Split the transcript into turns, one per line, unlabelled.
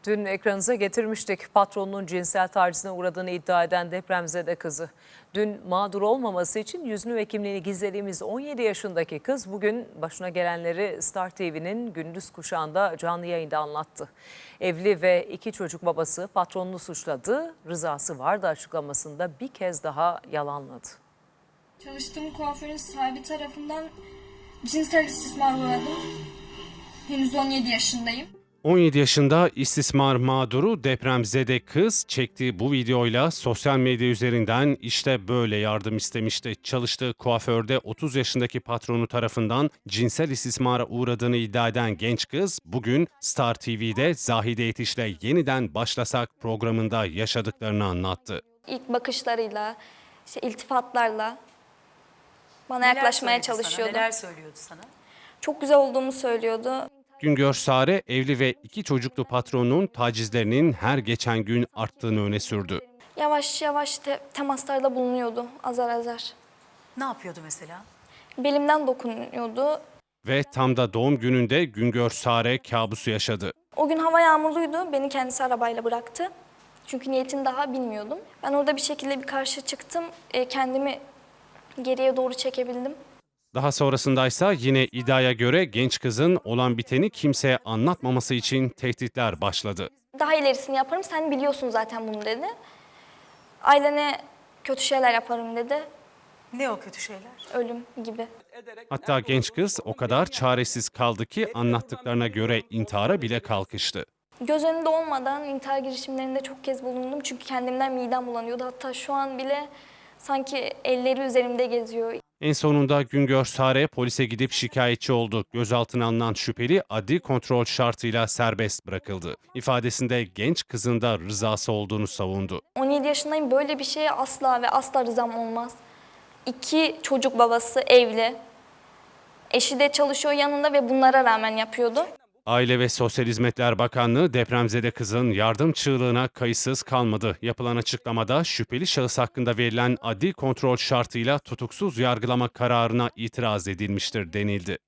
Dün ekranınıza getirmiştik. Patronunun cinsel tacizine uğradığını iddia eden depremzede kızı. Dün mağdur olmaması için yüzünü ve kimliğini gizlediğimiz 17 yaşındaki kız bugün başına gelenleri Star TV'nin gündüz kuşağında canlı yayında anlattı. Evli ve 2 çocuk babası patronunu suçladı. Rızası vardı açıklamasında bir kez daha yalanladı.
Çalıştığım kuaförün sahibi tarafından cinsel istismar uğradım. Henüz 17 yaşındayım.
17 yaşında istismar mağduru depremzede kız çektiği bu videoyla sosyal medya üzerinden işte böyle yardım istemişti. Çalıştığı kuaförde 30 yaşındaki patronu tarafından cinsel istismara uğradığını iddia eden genç kız bugün Star TV'de Zahide Yetiş'le Yeniden Başlasak programında yaşadıklarını anlattı.
İlk bakışlarıyla, iltifatlarla bana yaklaşmaya çalışıyordu.
Neler söylüyordu sana?
Çok güzel olduğumu söylüyordu.
Güngör Sare evli ve 2 çocuklu patronun tacizlerinin her geçen gün arttığını öne sürdü.
Yavaş yavaş temaslarda bulunuyordu azar azar.
Ne yapıyordu mesela?
Belimden dokunuyordu.
Ve tam da doğum gününde Güngör Sare kabusu yaşadı.
O gün hava yağmurluydu. Beni kendisi arabayla bıraktı. Çünkü niyetini daha bilmiyordum. Ben orada bir şekilde bir karşı çıktım. Kendimi geriye doğru çekebildim.
Daha sonrasındaysa yine iddiaya göre genç kızın olan biteni kimseye anlatmaması için tehditler başladı.
Daha ilerisini yaparım, sen biliyorsun zaten bunu dedi. Ailene kötü şeyler yaparım dedi.
Ne o kötü şeyler?
Ölüm gibi.
Hatta genç kız o kadar çaresiz kaldı ki anlattıklarına göre intihara bile kalkıştı.
Göz önünde olmadan intihar girişimlerinde çok kez bulundum. Çünkü kendimden midem bulanıyordu. Hatta şu an bile sanki elleri üzerimde geziyor.
En sonunda Güngör Sare polise gidip şikayetçi oldu. Gözaltına alınan şüpheli adli kontrol şartıyla serbest bırakıldı. İfadesinde genç kızın da rızası olduğunu savundu.
17 yaşındayım, böyle bir şeye asla ve asla rızam olmaz. 2 çocuk babası, evli. Eşi de çalışıyor yanında ve bunlara rağmen yapıyordu.
Aile ve Sosyal Hizmetler Bakanlığı depremzede kızın yardım çığlığına kayıtsız kalmadı. Yapılan açıklamada şüpheli şahıs hakkında verilen adli kontrol şartıyla tutuksuz yargılama kararına itiraz edilmiştir denildi.